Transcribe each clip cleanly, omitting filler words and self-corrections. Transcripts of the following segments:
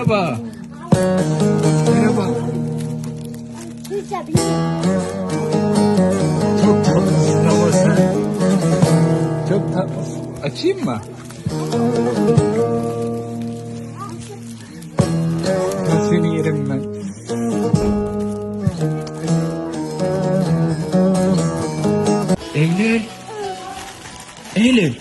Merhaba. Merhaba. Çok tatlısın ama sen. Çok tatlısın. Açayım mı? Ben seni yerim ben. Eylül. Eylül.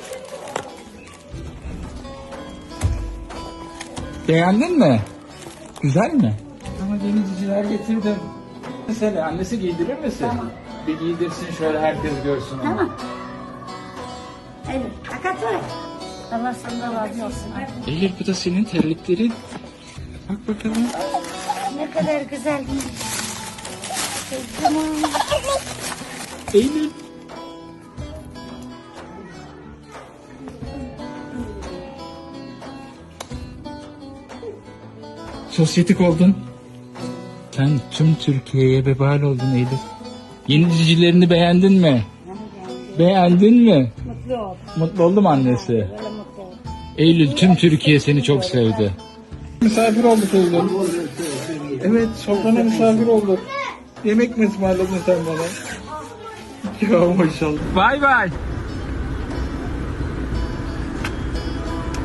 Beğendin mi? Güzel mi? Ama yeni ciciler getirdim. Mesela annesi giydirir misin? Tamam. Bir giydirsin şöyle herkes görsün onu. Tamam. Eylül, fakat var. Allah senden razı olsun. Eylül bu da senin terliklerin. Bak bakalım. Ne kadar güzel. Tamam. Eylül. Sosyetik oldun. Sen tüm Türkiye'ye vebal oldun Eylül. Yeni cicilerini beğendin mi? Beğendin mi? Mutlu ol. Mutlu oldu mu annesi? Böyle mutlu ol. Eylül tüm Türkiye seni çok sevdi. Misafir olduk Eylül. Evet sofrana misafir olduk. Yemek mi ısmarladın sen bana? Ya maşallah. Bay bay.